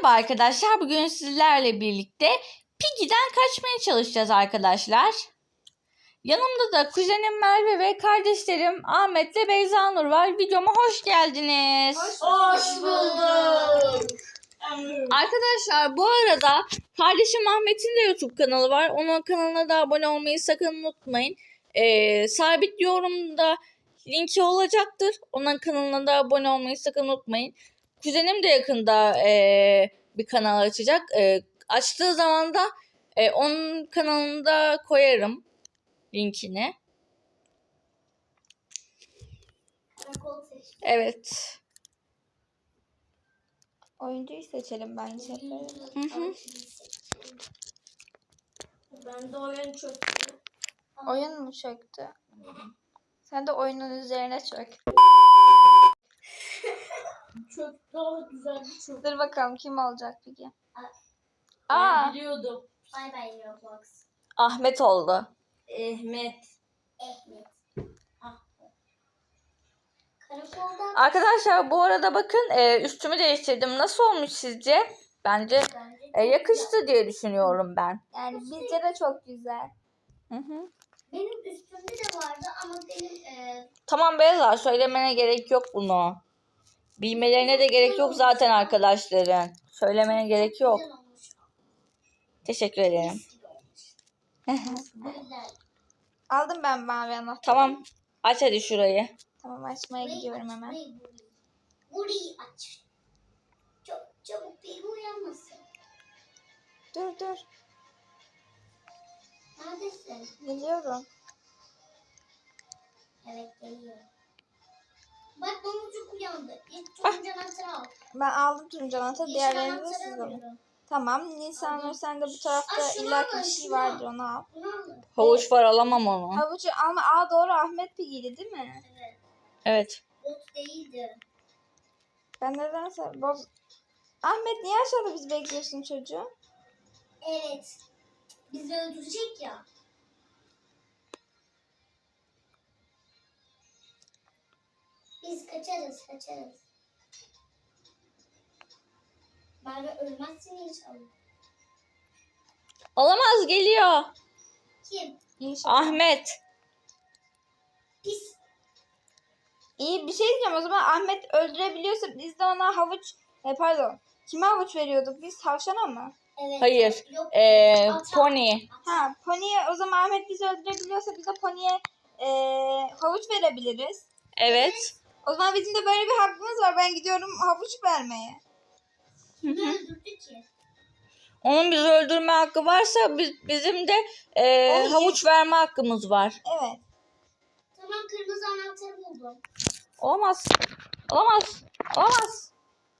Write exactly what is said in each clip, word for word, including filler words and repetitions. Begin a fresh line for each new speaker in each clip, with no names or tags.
Merhaba arkadaşlar. Bugün sizlerle birlikte Piggy'den kaçmaya çalışacağız arkadaşlar. Yanımda da kuzenim Merve ve kardeşlerim Ahmet ve Beyza Nur var. Videoma hoş geldiniz.
Hoş, hoş bulduk.
Arkadaşlar bu arada kardeşim Ahmet'in de YouTube kanalı var. Onun kanalına da abone olmayı sakın unutmayın. Ee, sabit yorumda linki olacaktır. Onun kanalına da abone olmayı sakın unutmayın. Kuzenim de yakında e, bir kanal açacak. E, açtığı zaman da e, onun kanalında koyarım linkini. Evet.
Oyuncuyu seçelim bence.
Hı hı.
Ben de oyun çöktü.
Oyun mu çöktü? Sen de oyunun üzerine çök.
Çök daha güzel bir çök.
Dur bakalım kim olacak peki?
Ben
Aa,
biliyordum.
Bay bay Roblox.
Ahmet oldu.
Ahmet.
Ahmet. Ah. Karakoldan
Arkadaşlar bu arada bakın e, üstümü değiştirdim. Nasıl olmuş sizce? Bence
bence
e, yakıştı diye düşünüyorum ben.
yani bizce de çok güzel.
Hı hı.
benim üstümde de vardı ama benim e,
Tamam Beyza, söylemene gerek yok bunu. Bilmelerine de gerek yok zaten arkadaşların. Söylemene gerek yok.
güzel olmuş.
Teşekkür ederim.
Mis gibi olmuş. Güzel.
Aldım ben mavi anahtarı.
Tamam. Aç hadi şurayı.
Tamam açmaya
Burayı
gidiyorum
aç,
hemen.
burayı, burayı. Burayı aç. Çok çabuk bir uyanmasın.
Dur dur.
Neredesin?
Geliyorum.
Evet geliyorum. Bak domuzcuk uyandı. İlk turuncu anahtarı al.
Ben aldım turuncu anahtarı.
Yeşil
Diğerlerini de
anahtarı
siz alın.
alıyorum.
Tamam. Nisan Nur sen de bu tarafta
Aa, şunu
illaki
alın,
bir şey
şunu
vardır
al.
onu al.
Bunu alın.
Havuç var, alamam onu.
Havucu alma. Aa doğru Ahmet Piggy'li değil mi?
Evet.
Evet.
Bot değildi.
Ben nedense boz... Ahmet niye aşağıda biz bekliyorsun çocuğu?
Evet. Bizi öldürecek ya. Biz kaçarız, kaçarız. Merve ölmezsin inşallah.
Olamaz, geliyor.
Kim?
İnşallah.
Ahmet.
Pis.
İyi bir şey diyeceğim o zaman Ahmet öldürebiliyorsa biz de ona havuç e, pardon kime havuç veriyorduk biz tavşana mı?
Evet.
Hayır.
Yok.
Ee,
Ata.
pony.
Ha poniye o zaman Ahmet bizi öldürebiliyorsa biz de poniye e, havuç verebiliriz.
Evet.
O zaman bizim de böyle bir hakkımız var ben gidiyorum havuç vermeye.
Kimi öldürdü ki?
Onun bizi öldürme hakkı varsa biz, bizim de e,
Onu
havuç verme hakkımız var.
Evet.
Tamam kırmızı anahtarı buldum.
Olamaz. Olamaz. Olamaz.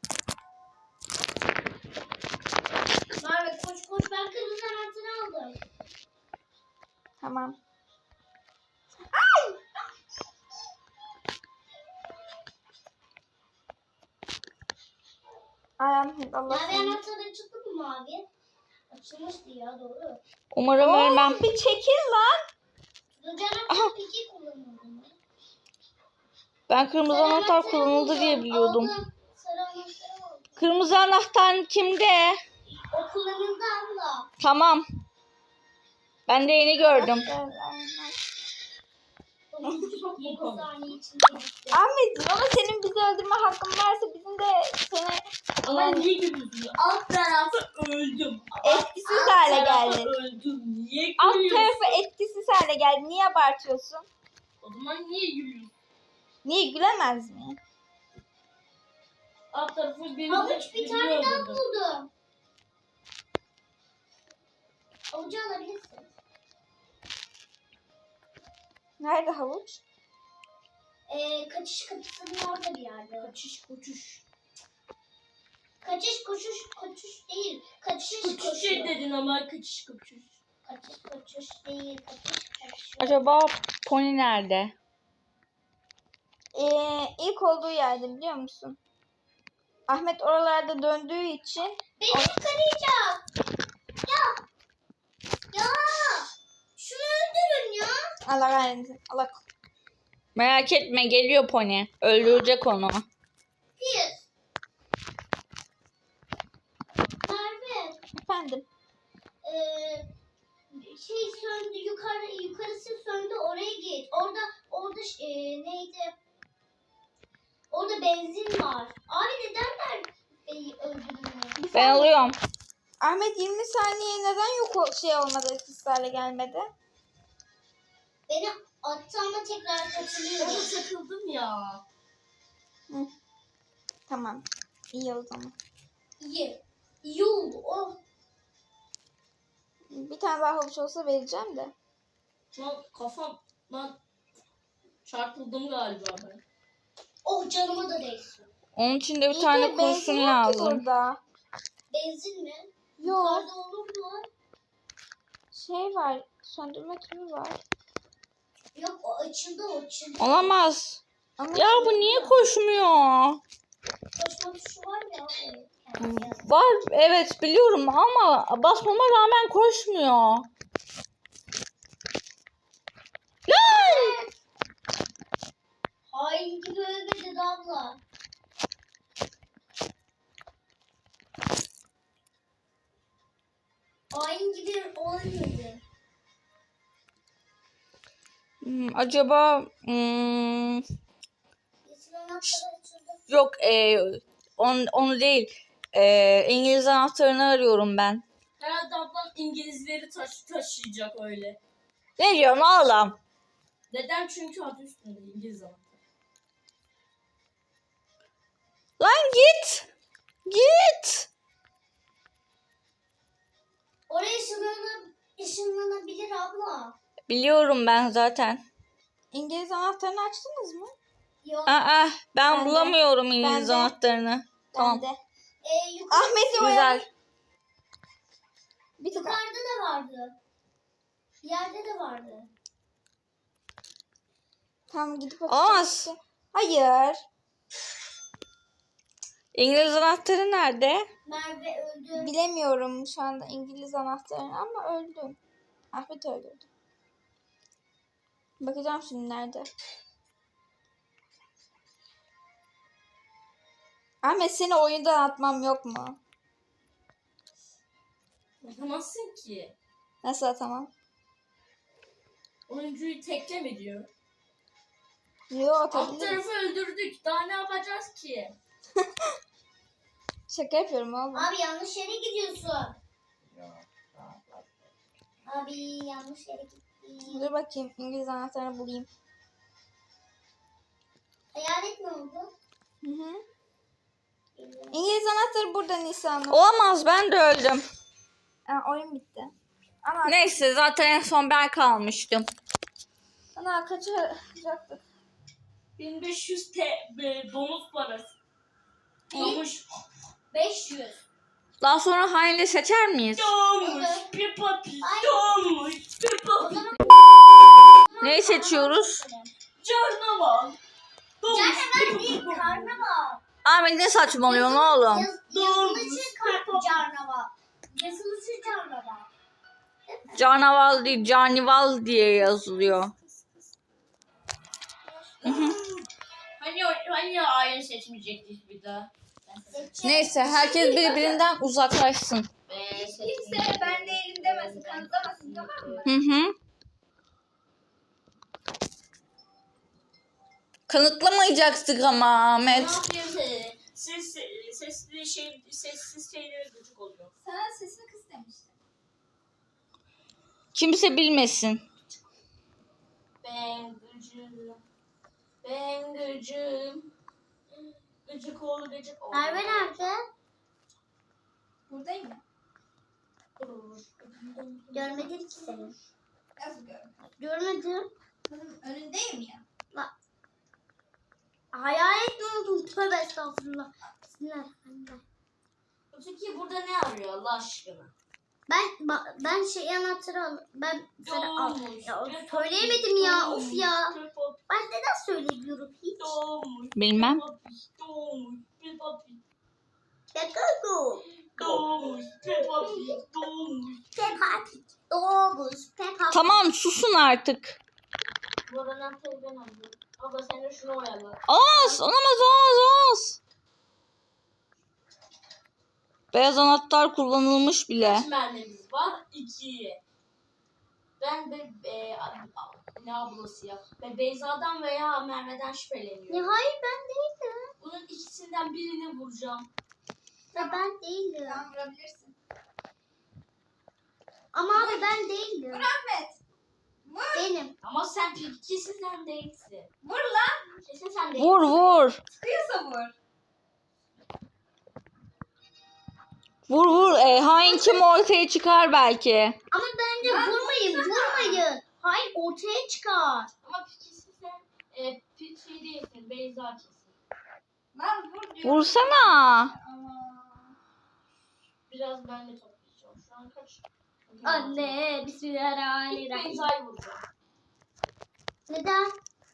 Merve koş koş ben kırmızı anahtarı aldım.
Tamam. Ay Ahmet Allah
Mavi
seni.
anahtar açıldı mı mavi? Açılmıştı ya doğru.
Umarım ölmem.
Oo, bir çekil lan.
Turuncu anahtar peki kullanıldı mı?
Ben kırmızı
Sarı
anahtar
anahtarı
kullanıldı
buldum,
diye biliyordum.
aldım. Sarı anahtarı aldım.
Kırmızı anahtar kimde?
O kullanıldı abla.
Tamam. Ben de yeni gördüm.
dokuz saniye içinde gitti.
Ahmet ama senin bizi öldürme hakkın varsa bizim de seni
Ama niye gülüyorsun? Alt tarafı öldüm.
etkisiz
Alt
hale
tarafı
geldi.
öldüm. Niye
Alt
gülüyorsun?
tarafı etkisiz hale geldi. Niye abartıyorsun?
O zaman niye gülüyorsun?
Niye gülemez mi?
Alt tarafı benim
Havuç bir tane daha
öldürdüm.
buldum. Havucu alabilirsin.
Nerede havuç?
Ee, kaçış kapısının orada bir yerde.
Kaçış koçuş.
Kaçış koşuş koşuş değil. Kaçış
Koçuş
koşuyor.
dedin ama kaçış koçuş.
Kaçış koşuş değil. Kaçış koşuyor.
Acaba pony nerede?
Ee, ilk olduğu yerde biliyor musun? Ahmet oralarda döndüğü için
Beni yakalayacak. Ya. Ya. Şunu öldürün ya.
Allah kahretsin. Allah
Merak etme, geliyor pony. Öldürecek onu.
Pis.
Efendim.
Ee, şey söndü, yukarı yukarısı söndü, oraya git. Orada orada e, neydi? Orada benzin var. Abi neden ben e, öldürmüyor?
Ben alıyorum.
Ahmet yirmi saniye neden yok o şey olmadı, etkisiz hale gelmedi?
Beni attı ama tekrar katılıyorum.
Onu takıldım ya.
Hı. Tamam. İyi o zaman.
İyi. İyi oldu. Oh.
Bir tane daha havuç olsa vereceğim de.
Lan kafam lan çarpıldım galiba ben.
Oh canıma da değsin.
Onun için de bir
İyi
tane
de benzin
kurşun
yok ki
lazım.
burada.
Benzin mi?
Yok.
Yukarıda olur mu?
Şey var. Söndürme tümü var.
Yok o açıldı o açıldı.
Olamaz.
Ama
Ya bu niye koşmuyor?
Koşma tuşu var ya. Evet. Yani.
Var evet biliyorum ama basmama rağmen koşmuyor. Lan!
Hain gibi ölmedi abla. Hain gibi ölmedi.
Hmm, acaba hmm,
Yeşil anahtarı açıldı.
yok e, on, onu değil. E, İngiliz anahtarını arıyorum ben.
Herhalde ablam İngilizleri taş taşıyacak öyle.
Ne diyorsun oğlum?
Neden? Çünkü adı üstünde İngiliz anahtarı.
Lan git. Git.
Oraya ışınlanır, ışınlanabilir abla.
Biliyorum ben zaten.
İngiliz anahtarını açtınız mı?
Yok.
Aa, ben,
Ben de.
bulamıyorum İngiliz
Ben de.
anahtarını. Tamam.
Ben de.
Ee, yukarı,
Ahmet'i oyalı.
Güzel.
Bir tık.
yukarıda da vardı. Yerde de vardı.
Tamam gidip
Olamaz.
bakacağım. Hayır.
İngiliz anahtarı nerede?
Merve öldü.
Bilemiyorum şu anda İngiliz anahtarını ama öldüm. Ahmet öldürdü. Bakacağım şimdi nerede. Ahmet seni oyundan atmam yok mu?
Yapamazsın ki.
Nasıl atamam?
Oyuncuyu teklem ediyor.
Yo
Alt
atabilirim.
tarafı öldürdük. Daha ne yapacağız ki?
Şaka yapıyorum oğlum.
Abi yanlış yere gidiyorsun. Abi yanlış yere gittin.
Dur bakayım İngiliz anahtarını bulayım.
Hayalet mi oldu?
Hı hı. İngiliz anahtarı burada Nisan'la.
Olamaz ben de öldüm.
Aa, oyun bitti. Ana,
Neyse zaten en son ben kalmıştım.
ana kaçacaktık.
bin beş yüz T L bonus parası. Olmuş.
beş yüz.
Daha sonra hainle seçer miyiz?
Doğmuş. Bir papi. Doğmuş. Bir papi.
Neyi seçiyoruz?
Canavar. Doğmuş.
Canavar değil, karnaval.
Ahmet ne saçmalıyorsun oğlum?
Yaz, yazılışı kar- canavar. Yazılışı canavar.
Canaval değil canival diye yazılıyor.
Hani hani aile seçmeyecektik bir daha.
Neyse herkes birbirinden uzaklaşsın.
Kimse ben değilim demesin, kanıtlamasın, tamam mı?
Hı hı. Kanıtlamayacaktık ama
Ne
Ahmet.
yapayım seni? Ses, sesli şey, sessiz şeylere gıcık oluyor.
Sana sesini kıs demiştim.
Kimse bilmesin.
Ben gıcığım. Ben gıcığım. Gıcık ol gıcık ol.
Merve nerede?
Buradayım ya.
Görmedim ki seni.
Nasıl gördün?
Görmedim.
Kızım önündeyim ya.
Hayalet mi oldun? Tövbe estağfurullah. Bismillahirrahmanirrahim.
Öteki burada ne arıyor Allah aşkına?
Ben ba- ben şey anahtarı al. Ben sana al.
Doğmuş.
Ya
Bir
söyleyemedim
papi,
ya.
doğmuş,
Of ya.
bir papi,
Ben neden söylemiyorum hiç?
Doğmuş.
Bilmem.
Bir papi, doğmuş. Bir papi.
Pekago.
Doğmuş. Bir papi. Doğmuş.
Peppa Pig. Doğmuş. Peppa Pig.
Tamam susun artık.
Bu aradan ben aldım. Abla sen de şunu oyala.
Olamaz olamaz olamaz olamaz. Beyaz anahtar kullanılmış bile.
Kaç mermimiz var? İki. Ben de e, a- a- ne ablası ya? Ben Beyza'dan veya Merve'den
Ya
şüpheleniyorum.
hayır ben değilim.
Bunun ikisinden birini vuracağım.
Ya ben değilim.
Tamam vurabilirsin.
Ama abi ben değilim.
Ahmet. Vur.
Benim.
Ama sen kesin sen değilsin.
Vur lan.
Kesin sen değilsin.
Vur vur.
Sıkıyorsa vur.
Vur vur. E, hain kim ortaya çıkar belki.
Ama bence
Lan
vurmayın vurmayın. Hayır ortaya çıkar.
Ama kesin sen e, pi- şey değilsin. Beyza kesin.
Lan vur diyorum.
Vursana.
Ama.
Biraz ben de toplayacağım. Şu an kaç?
Anne
İlk
bismillahirrahmanirrahim.
Beyza'yı vuracağım.
Neden?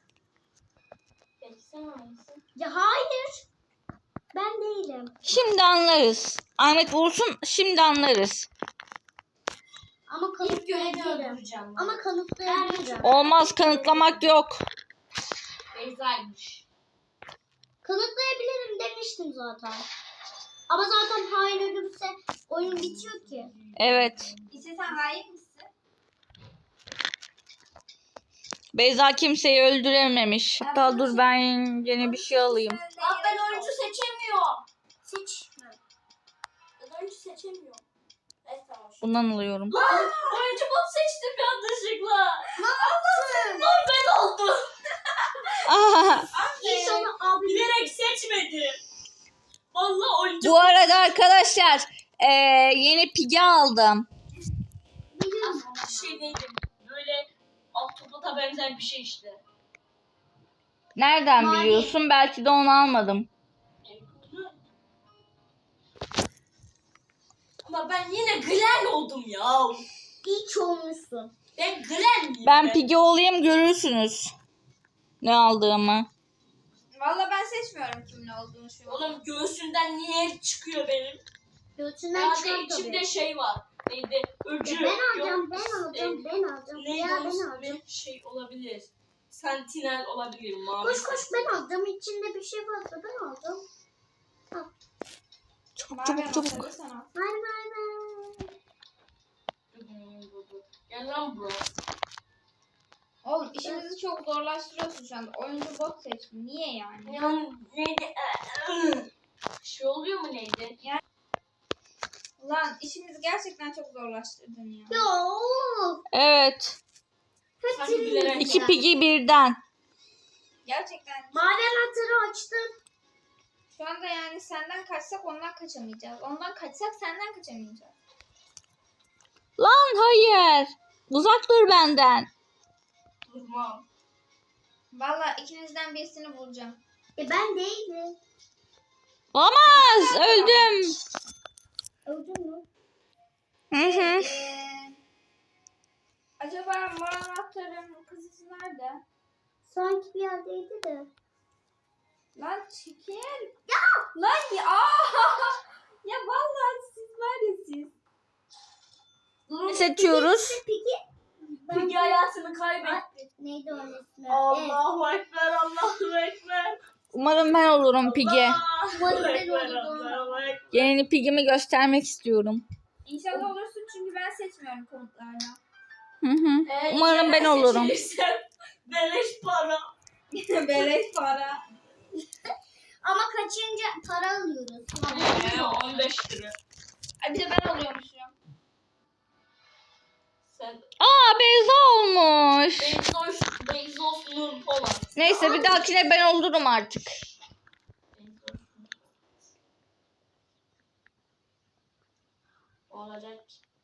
Peki sen hangisin?
Ya hayır. Ben değilim.
Şimdi anlarız. Ahmet vursun, şimdi anlarız.
Ama
İlk görevi
kanıtlayabilirim.
öldüreceğim.
Ama kanıtlayabilirim.
Olmaz, kanıtlamak yok.
Beyza'ymış.
Kanıtlayabilirim demiştim zaten. Ama zaten hain ölürse oyun bitiyor ki.
Evet.
İşte sen hain misin?
Beyza kimseyi öldürememiş. Hatta dur ben yine bir şey alayım.
Lan ben oyuncu seçemiyorum.
Seç.
Ben oyuncu seçemiyorum. Evet tamam.
Bundan alıyorum.
Lan oyuncu bot seçtim yanlışlıkla. Ne yaptın? Lan ben oldum.
Aha.
İnşallah abi.
Bilerek seçmedim. Vallahi oyuncu
Bu arada arkadaşlar e, yeni pigi aldım.
Biliyorsun.
bir şey değilim. Böyle ahtapota benzer bir şey işte.
Nereden
Mavi.
biliyorsun? Belki de onu almadım.
Ama ben yine Glenn oldum ya.
İyi ki olmuşsun.
Ben Glenn miyim?
Ben pigi olayım, görürsünüz ne aldığımı.
Valla ben seçmiyorum kimin olduğunu şu an.
Oğlum göğsünden niye çıkıyor benim?
Göğsünden
Yani
çıkar
içimde
tabii.
şey var. Neydi? Öcü.
Ya ben alacağım,
Yok,
ben alacağım,
e,
ben alacağım.
Neydi
Ya
onun
ben
ismi?
alacağım.
Şey olabilir. Sentinel olabilir. Mavi
Koş koş
sentinel.
ben alacağım. İçinde bir şey varsa ben alacağım.
Çabuk
Mavi
çabuk çabuk.
anahtarı sana.
Bay bay bay.
Gel lan bro.
Oğlum işimizi çok zorlaştırıyorsun şu anda. Oyuncu bot seçtim. Niye yani?
Yani neydi? Bir şey oluyor mu neydi?
Ulan işimizi gerçekten çok zorlaştırdın ya.
Ya of.
Evet.
Sanki bilerek.
İki pigi birden.
Gerçekten
Mavi anahtarı açtım.
şu anda yani senden kaçsak ondan kaçamayacağız. Ondan kaçsak senden kaçamayacağız.
Lan hayır. Uzak dur benden.
Durmam.
Valla ikinizden birisini bulacağım.
E ben değilim.
Olamaz. Öldüm.
Öldün mü?
Hı hı.
Ee, acaba mor anahtarın kızısı nerede?
Sanki bir yerdeydi de.
Lan çekil. Ya! Lan ya! ya vallahi siz var ya siz.
Ne seçiyoruz?
Peki. Ben...
Peki hayatını kaybetti.
Neydi onun ismi? Evet.
Allahu Ekber, Allahu Ekber.
Umarım ben olurum pigi.
Allahu
Umarım ben
Ekber,
olurum.
Allahu Ekber.
Yeni pigimi göstermek istiyorum.
İnşallah olursun çünkü ben seçmiyorum komutlarla.
Hı hı.
Ee,
Umarım
yine
ben olurum.
seçilirsem Beleş para.
Beleş para.
Ama kaçınca para alıyoruz.
Ee, on beş lira.
Ay bir de ben oluyormuşum.
Sen
Aa Beyza olmuş.
Bezos, Bezos Nur Polat.
Neyse bir dahakine ben olurum artık.
Bezos Nur Polat. Olacak.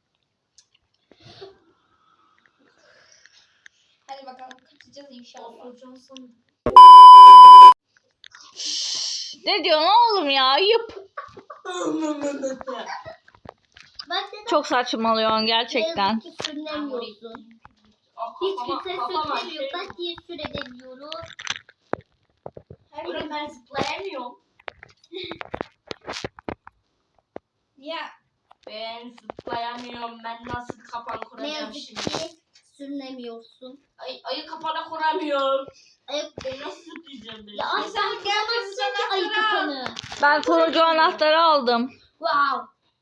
Hadi bakalım kaçacağız inşallah.
Olacaksın.
Ne diyorsun oğlum ya? Ayıp.
Bak dedim.
Çok saçmalıyorsun gerçekten.
Yazık ki sürünemiyorsun.
Ah,
Hiç
kafama-
kimse
kafama
sürünemiyor.
şey-
Bak diye sürebiliyoruz.
Oğlum ben zıplayamıyorum.
Ya
Ben zıplayamıyorum. Ben nasıl kapan
Ne
kuracağım
yazık
şimdi?
ki sürünemiyorsun.
Ay, ayı kapana kuramıyorum.
Ayak...
Ben nasıl zıplayacağım ben?
Ya ay sen
gel
kuramazsın ki ayı
kızım,
kapanı.
Ben turuncu anahtarı aldım.
Wow.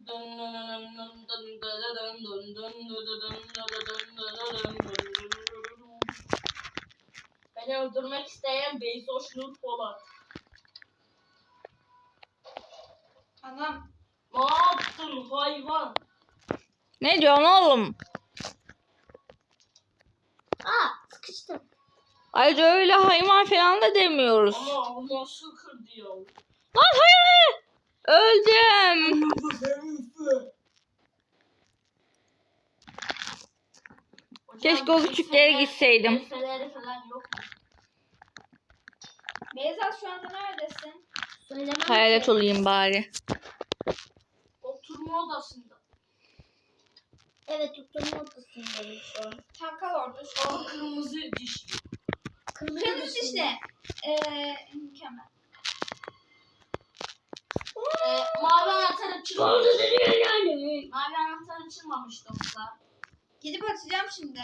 Beni öldürmek isteyen Beyzoş Nur Polat.
Anam.
Ne yaptın hayvan?
Ne diyorsun oğlum?
Aa sıkıştım.
Ayrıca öyle hayvan falan da demiyoruz.
Ama nasıl kırdı ya?
Lan hayır hayır. Öldüm. Keşke o küçüklere gitseydim.
Efeleri falan yok mu?
Beyza şu anda neredesin?
Söylemem
Hayalet
ki.
olayım bari.
Oturma odasında.
Evet tuttuğum ortasındayım şu an.
Tam kal orada şu an.
O kırmızı diş.
Kırmızı,
Kırmızı
dışında.
işte. Eee mükemmel.
Ee, mavi anahtar açılmamış.
yani.
Mavi anahtar açılmamış dostlar.
Gidip açacağım şimdi.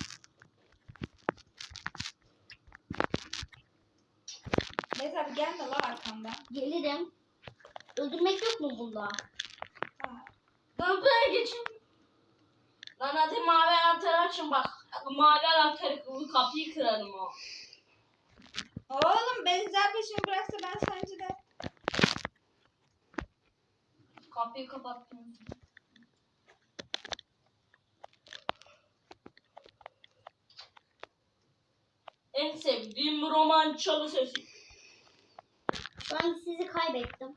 Beyza abi gelme la arkamdan.
Gelirim. Öldürmek yok mu bunda?
Ha.
Lan buraya geçin. Lan hadi mavi anahtarı açın bak. Mavi anahtarı kapıyı kırarım o.
Oğlum Beyza peşimi bıraksa ben sence de.
Kapıyı kapattım. En sevdiğim roman çalı sesi.
Şu an sizi kaybettim.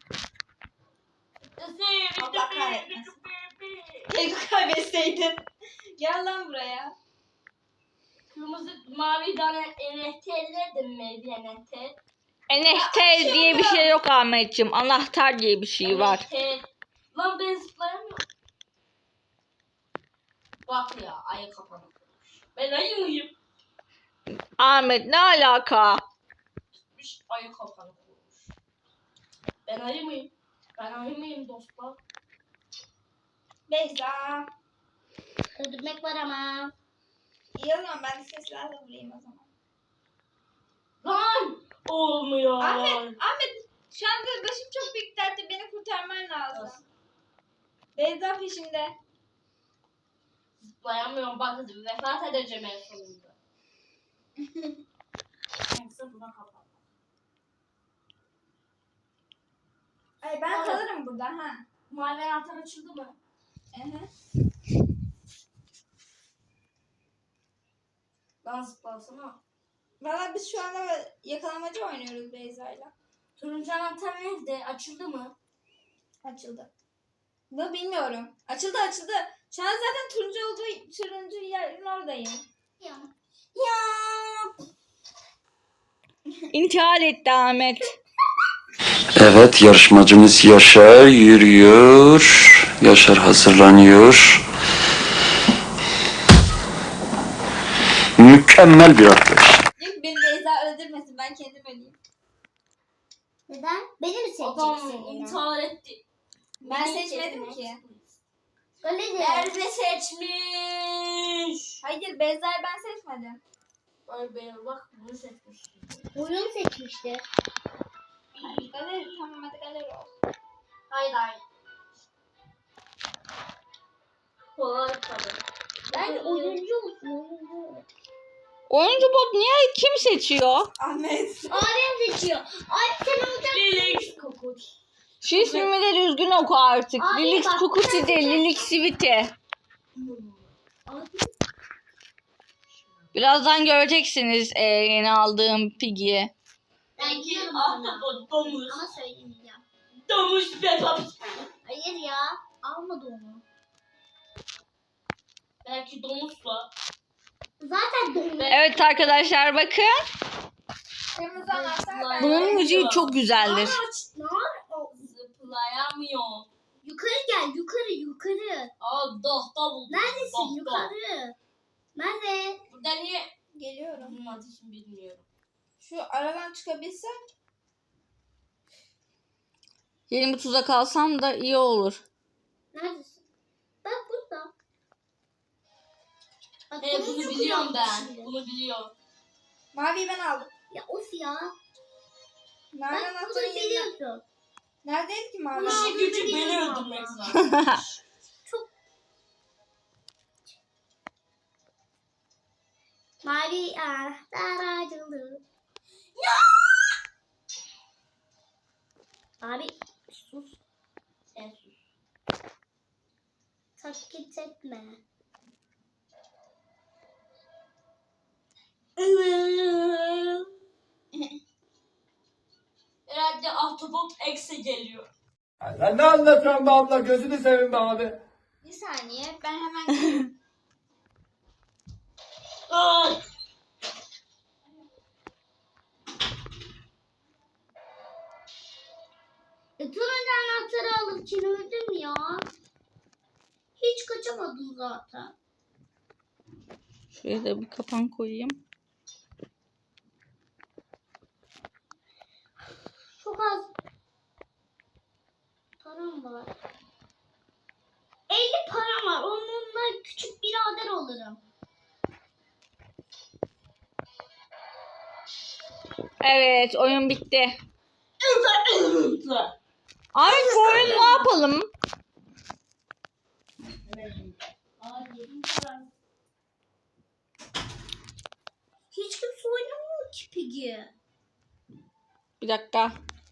Allah kahretmesin. Keşke kaybetseydin. Gel lan buraya.
Kırmızı mavi tane N F T'ler de mi bir N F T?
Anahtar diye bir şey yok Ahmetciğim. Anahtar diye bir şey var.
N F T. Lan ben zıplayamıyorum. Bak ya ayı kapanı. Ben ayı mıyım?
Ahmet ne alaka?
Gitmiş ayı kapanı kurmuş. Ben ayı mıyım? Ben ayı mıyım dostlar?
Beyza.
Öldürmek var ama.
İyi o zaman ben de seslerle vurayım o zaman.
Lan! Olmuyor.
Ahmet, Ahmet şu anda başım çok büyük dertte, beni kurtarman lazım.
Nasıl?
Beyza peşimde.
Zıplayamıyorum bak vefat edeceğim en sonunda. Neyse buna kapat.
Ay ben
Evet.
kalırım burada ha.
Mavi anahtar açıldı mı?
Hı-hı.
Lan zıplasana.
Valla biz şu anda yakalamacı oynuyoruz Beyza'yla.
Turuncu anahtar nerede? Açıldı mı?
Açıldı. Bu bilmiyorum. Açıldı açıldı. Şu an zaten turuncu olduğu turuncu yerin oradayım.
Ya.
Ya.
İntihar etti Ahmet.
Evet, yarışmacımız Yaşar yürüyor. Yaşar hazırlanıyor. Mükemmel bir arkadaş.
Yok beni Beyza öldürmesin, ben kendim öleyim.
Neden? Beni mi
Adam
seçeceksin yine?
intihar etti.
Ben
Beni
seçmedim
seçmiş.
ki.
Öyle de.
Nerede seçmiş?
Hayır Beyza'yı ben seçmedim.
Ay be bak bunu seçmiş.
Oyun seçmişti.
Galeri tamam hadi galeri olsun.
Hayır hayır. Kolay tabii.
Ben oyuncu olsun oyuncu.
Oyuncu bot niye kim seçiyor?
Ahmet.
Abim seçiyor. Abi sen olacaksın.
Lilix kokut.
Şu ismimi de düzgün oku artık.
Abi
Lilix
bak,
Kukuti de Lilix Siviti.
Abi
Birazdan göreceksiniz e, yeni aldığım Piggy'yi.
ben gidiyorum sana.
Ahtapot domuz.
Ama söylemeyeceğim.
Domuz Peppa.
Hayır ya. Almadı onu.
Belki domuzla.
Zaten doğru.
Evet arkadaşlar bakın.
Kırmızı anahtar ben.
Bunun müziği çok güzeldir.
Ne var?
Zıplayamıyor.
Yukarı gel yukarı yukarı.
Aa dohta buldum.
Neredesin
Dohta.
yukarı? Nerede?
Burada niye?
Geliyorum.
Bunun adını bilmiyorum.
Şu aradan çıkabilsem.
Yeni bir tuzak alsam da iyi olur.
Neredesin? Ben burada. Bak,
He
bunu
bunu
çok
biliyorum
iyi
ben.
yapmışım.
Bunu biliyorum.
Maviyi ben aldım.
Ya of ya.
Mavi
Ben
anahtarı
bunu
yerine.
biliyorsun.
Neredeydi ki mavi?
İşi
Mavi
gücü
biliyorum
beni
ama.
öldürmek zaten.
Çok mavi anahtar açıldı. Abi sus. Sen sus. Taklit etme.
Herhalde Ahtapot X'e geliyor.
Sen ne anlatıyorsun be abla? Gözünü seveyim be abi.
Bir saniye ben hemen
Ay!
E, turuncu anahtarı alırken öldüm ya. Hiç kaçamadım zaten.
Şuraya da bir kapan koyayım.
Çok az param var. elli param var. Onunla küçük birader olurum.
Evet, oyun bitti. Abi bu oyun ne yapalım?
Aa, yedim param. Hiç kimse oynamıyor ki Piggy.
Bir dakika.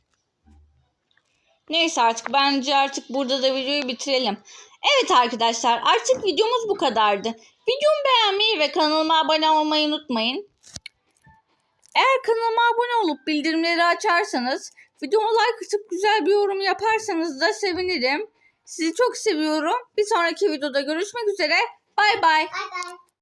Neyse artık bence artık burada da videoyu bitirelim. Evet arkadaşlar artık videomuz bu kadardı. Videomu beğenmeyi ve kanalıma abone olmayı unutmayın. Eğer kanalıma abone olup bildirimleri açarsanız, videoma like atıp güzel bir yorum yaparsanız da sevinirim. Sizi çok seviyorum. Bir sonraki videoda görüşmek üzere. Bay bay.
Bye bye.